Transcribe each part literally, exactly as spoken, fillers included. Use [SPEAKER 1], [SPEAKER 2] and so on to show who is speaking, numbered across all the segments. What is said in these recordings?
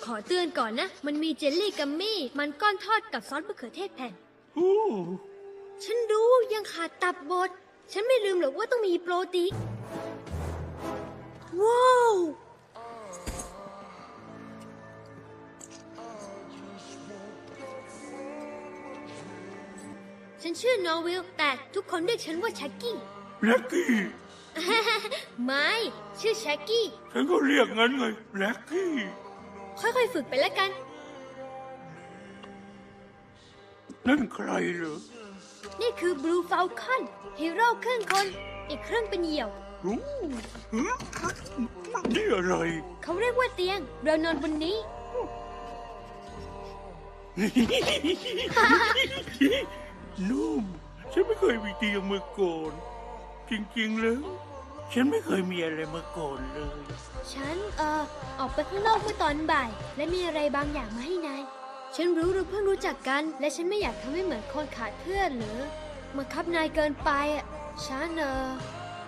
[SPEAKER 1] ขอเตือนก่อนนะ มันมีเจลลี่กัมมี่ มันก้อนทอดกับซอสมะเขือเทศแผ่น
[SPEAKER 2] โอ้
[SPEAKER 1] ฉันรู้ยังขาดตับบด ฉันไม่ลืมหรอกว่าต้องมีโปรตีน ว้าว ฉันชื่อนอร์วิล แต่ทุกคนเรียกฉันว่าแช็กกี้
[SPEAKER 2] แล็กกี้
[SPEAKER 1] ไม่ ชื่อแช็กกี้
[SPEAKER 2] ฉันก็เรียกงั้นไงแล็กกี้
[SPEAKER 1] ค่อยๆฝึกไปแล้วกัน
[SPEAKER 2] นั่นใครเหรอ
[SPEAKER 1] นี่คือบลูฟาลคอนฮีโร่ครึ่งคน อีกครึ่งเป็นเหยี่ยว
[SPEAKER 2] รู้หืมนี่อะไร
[SPEAKER 1] เขาเรียกว่าเตียง เรานอนบนนี้
[SPEAKER 2] นุ่มฉันไม่เคยมีเตียงมาก่อน จริงๆแล้ว ฉันไม่เคยมีอะไรมาก่อนเลย
[SPEAKER 1] ฉัน เอ่อ ออกไปข้างนอกเมื่อตอนบ่าย และมีอะไรบางอย่างมาให้นาย ฉันรู้เราเพิ่งรู้จักกัน และฉันไม่อยากทำให้เหมือนคนขาดเพื่อนหรือมาคับนายเกินไปอ่ะ ฉัน เอ่อ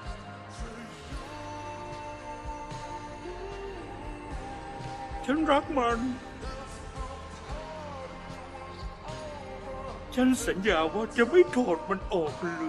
[SPEAKER 2] ฉันรักมัน ฉันสัญญาว่าจะไม่ถอดมันออกเลย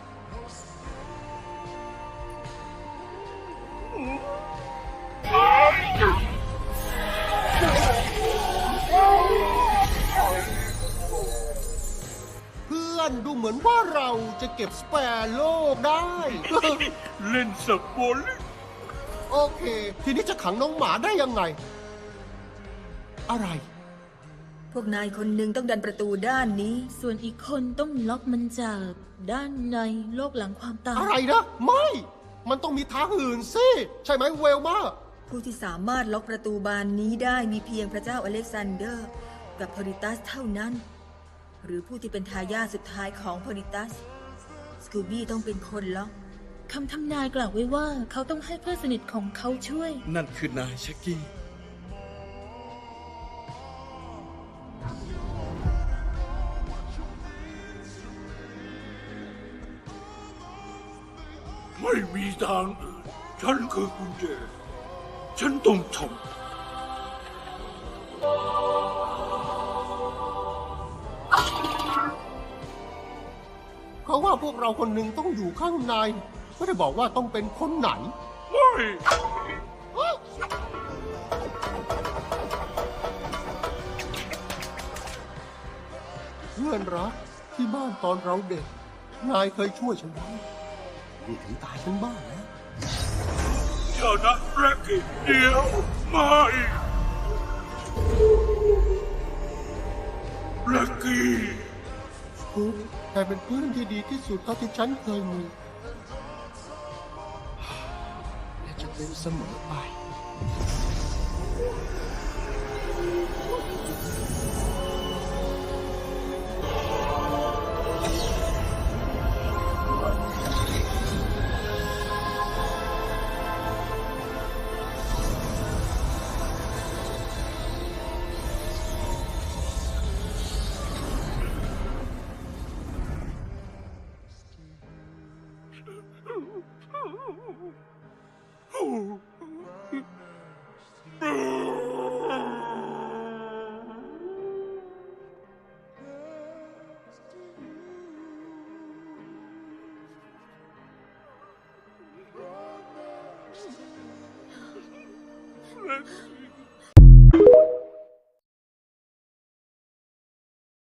[SPEAKER 3] เพื่อนดูเหมือนว่าเราจะเก็บสเปร์โลกได้
[SPEAKER 2] เล่นสักบอล
[SPEAKER 3] โอเค ทีนี้จะขังน้องหมาได้ยังไง อะไร
[SPEAKER 4] พวกนายคนหนึ่งต้องดันประตูด้านนี้ ส่วนอีกคนต้องล็อกมันจากด้านในโลกหลังความตาย
[SPEAKER 3] อะไรนะ ไม่ มันต้องมีทางอื่นสิ ใช่ไหมเวลมา
[SPEAKER 4] ผู้ที่สามารถล็อกประตูบานนี้ได้มีเพียงพระเจ้าอเล็กซานเดอร์ กับโพลิตัสเท่านั้น หรือผู้ที่เป็นทายาทสุดท้ายของโพลิตัส สกูบี้ต้องเป็นคนล็อกคำทำนายกล่าวไว้ว่าเขาต้องให้เพื่อนสนิทของเขาช่วย
[SPEAKER 5] นั่นคือนายแช็กกี้
[SPEAKER 2] ไม่มีทางอื่น ฉันคือกุญแจ ฉันต้องทำ
[SPEAKER 3] เพราะว่าพวกเราคนหนึ่งต้องอยู่ข้างใน ไม่ได้บอกว่าต้องเป็นคนไหน
[SPEAKER 2] ไม่
[SPEAKER 3] เพื่อนรักที่บ้านตอนเราเด็ก นายเคยช่วยฉันไว้นี่ถึงตายฉันบ้างแล้ว
[SPEAKER 2] เจ้านะแร็กกี้เดียวไม่แร็กกี้
[SPEAKER 3] คุณแต่เป็นเพื่อนที่ดีที่สุดเท่าที่ฉันเคยมี และจะเป็นเสมอไป